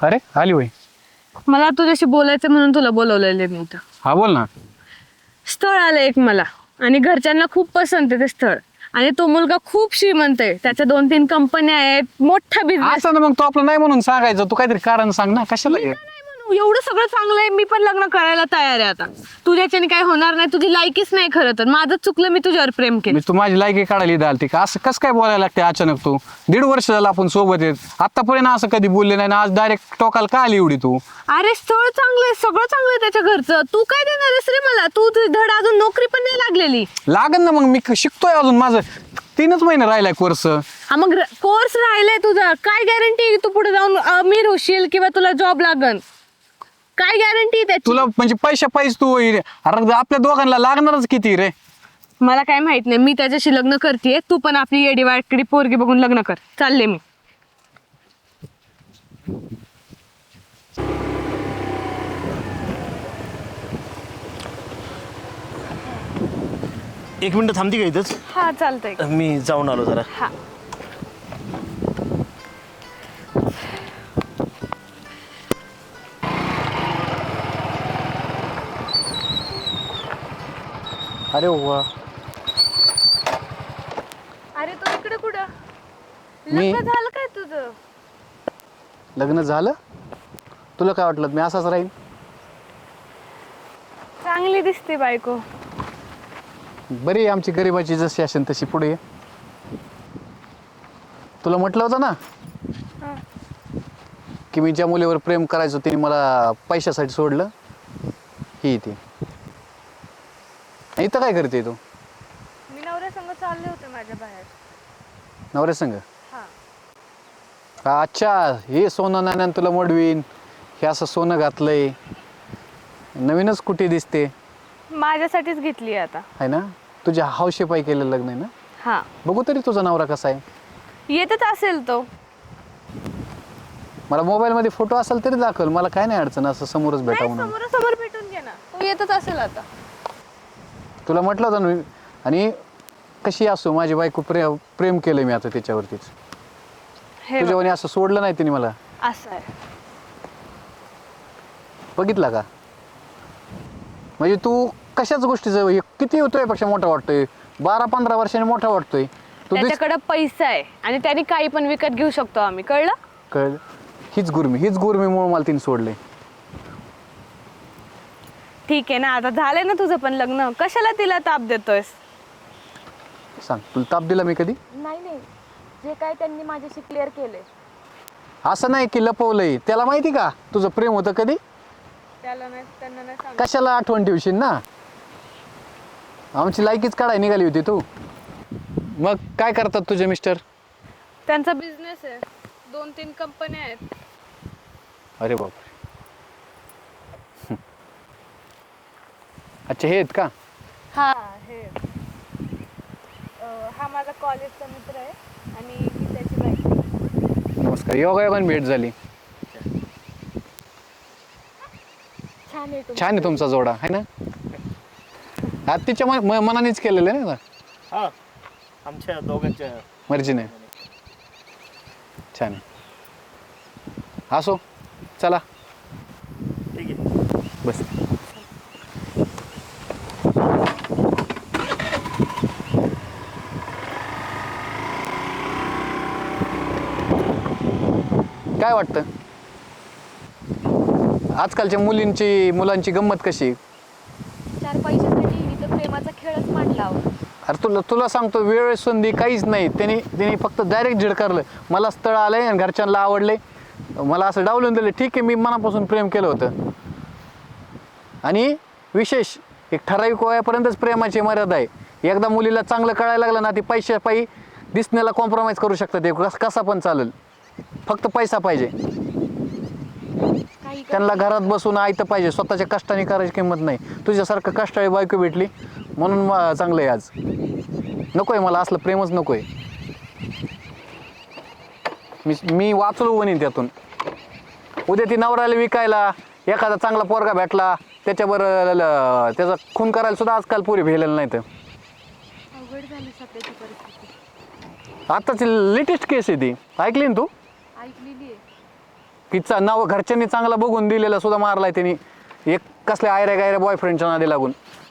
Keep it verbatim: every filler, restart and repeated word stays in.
अरे आली होय. मला तुझ्याशी बोलायचं म्हणून तुला बोलवलेलं मी इथं. हा बोल ना. स्थळ आलं एक मला आणि घरच्यांना खूप पसंत आहे ते स्थळ. आणि तो मुलगा खूप श्रीमंत आहे, त्याच्या दोन तीन कंपन्या आहेत, मोठा बिझनेस. असं ना मग तू आपलं नाही म्हणून सांगायचं, तू काहीतरी कारण सांग ना कशाला हे? एवढं सगळं चांगलं आहे, मी पण लग्न करायला तयार आहे आता. तुझ्याच्याने काही होणार नाही, तुझी लायकीच नाही खरं तर. माझं चुकलं, मी तुझ्यावर प्रेम केलं. मी तू माझी लायकी काढायला इथं आलती का? असं कसं काय बोलायला लागते अचानक? तू दीड वर्ष झालं आपण सोबत आहेत, आतापर्यंत असं कधी बोलले नाही ना, आज डायरेक्ट टोकाला का आली एवढी तू? अरे स्थळ चांगलं आहे, सगळं चांगलं आहे त्याच्या घरचं. तू काय देणार आहेस रे मला? तू तुझी धड अजून नोकरी पण नाही लागलेली. लागन ना मग, मी शिकतोय अजून, माझं तीनच महिने राहिलाय कोर्स. हा मग कोर्स राहिलाय तुझा, काय गॅरंटी तू पुढे जाऊन अमीर होशील किंवा तुला जॉब लागन? काय गॅरंटी त्याची? तुला म्हणजे पैशा पैसे तू अरे आपल्या दोघांना लागणारच किती रे? मला काय माहित नाही, मी त्याच्याशी लग्न करतेय. तू पण आपली येडी वाटकडी पोरगी बघून लग्न कर. चालले मी. एक मिनिट थांबती का इथंच? हा चालतंय. मी जाऊन आलो जरा. हा अरे वा. अरे तू इकडे कुठं? मी- लग्न झालं काय तुझं? लग्न झालं? तुला काय वाटलं मी असाच राहीन? चांगली दिसते बायको. बरी आहे आमची गरिबाची, जशी असेल तशी पुढे ये. तुला म्हटलं होतं ना हा. की मी ज्या मुलीवर प्रेम करायचो तिने मला पैशासाठी सोडलं. ही ती. इथं काय करते तू? मी नवऱ्या संग चालले होते माझ्या बाहेर. नवऱ्या संग? हा. अच्छा, हे सोनं नाण्यान तुला मोडवीन, हे असं सोनं घातलंय, नवीनच कुठे दिसते माझ्यासाठीच घेतली आता. आहे ना? तुझ्या हौशेपायी केलेलं लग्न आहे ना? हा. बघू तरी तुझा नवरा कसा आहे. येतच असेल तो. मला मोबाईलमध्ये फोटो असेल तरी दाखल, मला काय नाही अडचण असं समोरच भेटा म्हणून. समोरासमोर भेटून घे ना, तो येतच असेल आता. तुला म्हटलं होतं ना मी. आणि कशी असो माझी बायको, प्रे प्रेम केलं मी आता त्याच्यावरतीच. हे बघ, तुझ्यावर असं सोडलं नाही तिने मला. असं आहे. बघितला का? म्हणजे तू कशाच गोष्टीचं हे किती होतोय पेक्षा मोठा वाटतोय, बारा पंधरा वर्षांनी मोठा वाटतोय तू. दिस- त्याच्याकडे पैसा आहे आणि त्याने काही पण विकत घेऊ शकतो आम्ही, कळलं? कळलं. हीच गुरमी हीच गुरमीमुळे मला तिने सोडले. ठीक आहे ना, आता झालंय ना तुझं पण लग्न, कशाला तिला ताप देतोयस? सांग, तुला ताप दिला मी कधी? नाही नाही, जे काय त्यांनी माझ्याशी क्लिअर केले. असं नाही की लपवलंय. त्याला माहिती का तुझं प्रेम होतं कधी? त्याला नाही, त्यांना नाही सांग. कशाला आठवण ठेवशील ना? आमची लायकीच काढाय निघाली होती तू. मग काय करतात तुझे मिस्टर? त्यांचा बिझनेस आहे, दोन तीन कंपन्या आहेत. अरे बाप. अच्छा, हे आहेत का? हा, हे अं, हा माझा कॉलेजचा मित्र आहे आणि ही त्याची बायको. नमस्कार, योगायोगाने भेट झाली. छान आहे छान आहे तुमचा जोडा, आहे ना? आज तिच्या मन- म- मनानेच केलेलं आहे ना, हा, आमच्या दोघांच्या मर्जीने. छान आहे. असो, चला ठीक आहे. बस. काय वाटतं आजकालच्या मुलींची मुलांची गंमत कशी? चार पैशासाठी मी तर प्रेमाचा खेळच मांडला. अरे तुला तुला सांगतो, वेळ संधी काहीच नाही. त्यांनी त्यांनी फक्त डायरेक्ट झिडकारलं. मला स्थळ आलंय आणि घरच्यांना आवडले, मला असं डावलून दिलं. ठीक आहे, मी मनापासून प्रेम केलं होतं. आणि विशेष एक ठराविक वयापर्यंतच प्रेमाची मर्यादा आहे. एकदा मुलीला चांगलं कळायला लागलं ना, ती पैशापायी दिसण्याला कॉम्प्रोमाइज करू शकतात. ते कस कसा पण चालेल, फक्त पैसा पाहिजे. काही त्यांना घरात बसून आयतं पाहिजे, स्वतःच्या कष्टाने करायची किंमत नाही. तुझ्यासारखं कष्टाळी बायको भेटली म्हणून म- चांगलं आहे आज. नको आहे मला असलं प्रेमच नको आहे. मी मी वाचलो बनीन त्यातून. उद्या ती नवऱ्याला विकायला एखादा चांगला पोरगा भेटला, त्याच्याबरोबर ल- त्याचा खून करायला सुद्धा आजकाल पुरी भेलेलं नाही. तर अवघड झाली सध्याची परिस्थिती. आताची लेटेस्ट केस आहे ती, ऐकली ना तू? ऐकलेली आहे. की चा नाव घरच्यांनी चांगला बघून दिलेला सुद्धा मारलाय त्यांनी एक कसल्या आयऱ्या गायऱ्या बॉयफ्रेंडच्या नादी लागून.